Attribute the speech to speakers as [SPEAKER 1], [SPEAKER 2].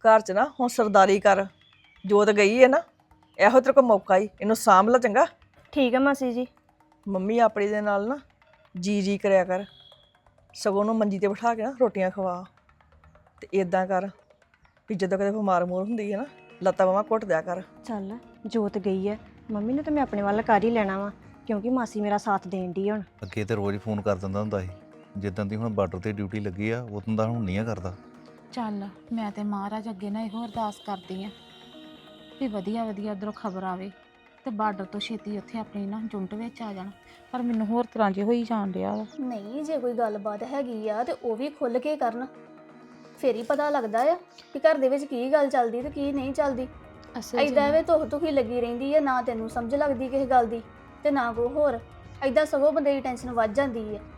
[SPEAKER 1] ਘਰ 'ਚ ਨਾ ਹੁਣ ਸਰਦਾਰੀ ਕਰ। ਜੋਤ ਗਈ ਹੈ ਨਾ, ਇਹੋ ਤੇਰੇ ਕੋਲ ਮੌਕਾ ਹੀ, ਇਹਨੂੰ ਸਾਂਭ ਲਾ ਚੰਗਾ।
[SPEAKER 2] ਠੀਕ ਆ ਮਾਸੀ ਜੀ।
[SPEAKER 1] ਮੰਮੀ ਆਪਣੀ ਦੇ ਨਾਲ ਨਾ ਜੀ ਕਰਿਆ ਕਰ, ਸਗੋਂ ਉਹਨੂੰ ਮੰਜੀ ਤੇ ਬਿਠਾ ਕੇ ਨਾ ਰੋਟੀਆਂ ਖਵਾ। ਤੇ ਇਦਾਂ ਕਰ ਵੀ ਜਦੋਂ ਕਦੇ ਬਿਮਾਰ ਮੂਰ ਹੁੰਦੀ ਹੈ ਨਾ, ਲੱਤਾਂ ਬਾਹਾਂ ਘੁੱਟ ਦਿਆ ਕਰ।
[SPEAKER 2] ਚੱਲ ਜੋਤ ਗਈ ਹੈ, ਮੰਮੀ ਨੂੰ ਤਾਂ ਮੈਂ ਆਪਣੇ ਵੱਲ ਕਰ ਹੀ ਲੈਣਾ ਵਾ, ਕਿਉਂਕਿ ਮਾਸੀ ਮੇਰਾ ਸਾਥ ਦੇਣ ਦੀ ਹੁਣ।
[SPEAKER 3] ਅੱਗੇ ਤੇ ਰੋਜ਼ ਫੋਨ ਕਰ ਦਿੰਦਾ ਹੁੰਦਾ ਸੀ, ਜਿੱਦਾਂ ਦੀ ਹੁਣ ਬਾਰਡਰ ਤੇ ਡਿਊਟੀ ਲੱਗੀ ਆ ਉਦੋਂ ਦਾ ਹੁਣ ਨਹੀਂ ਆ ਕਰਦਾ।
[SPEAKER 4] ਚੱਲ ਮੈਂ ਤੇ ਮਹਾਰਾਜ ਅੱਗੇ ਨਾ ਇਹੋ ਅਰਦਾਸ ਕਰਦੀ ਆ ਵੀ ਵਧੀਆ ਵਧੀਆ ਉਧਰੋਂ ਖਬਰ ਆਵੇ ਤੇ ਬਾਰਡਰ ਤੋਂ ਛੇਤੀ ਉੱਥੇ ਆਪਣੀ ਨਾ ਜੁੰਟ ਵਿੱਚ ਆ ਜਾਣ। ਪਰ ਮੈਨੂੰ ਹੋਰ ਤਰ੍ਹਾਂ ਜੇ ਹੋਈ ਜਾਣ ਡਿਆ ਵਾ।
[SPEAKER 5] ਨਹੀਂ, ਜੇ ਕੋਈ ਗੱਲਬਾਤ ਹੈਗੀ ਆ ਤੇ ਉਹ ਵੀ ਖੁੱਲ ਕੇ ਕਰਨ, ਫੇਰ ਹੀ ਪਤਾ ਲੱਗਦਾ ਆ ਕਿ ਘਰ ਦੇ ਵਿੱਚ ਕੀ ਗੱਲ ਚੱਲਦੀ ਤੇ ਕੀ ਨਹੀਂ ਚੱਲਦੀ। ਐਦਾਂ ਵੇ ਤੁਹੀ ਲੱਗੀ ਰਹਿੰਦੀ ਆ, ਨਾ ਤੈਨੂੰ ਸਮਝ ਲੱਗਦੀ ਕਿਸੇ ਗੱਲ ਦੀ ਤੇ ਨਾ ਕੋ ਹੋਰ। ਐਦਾਂ ਸਗੋਂ ਬੰਦੇ ਦੀ ਟੈਨਸ਼ਨ ਵੱਧ ਜਾਂਦੀ ਹੈ।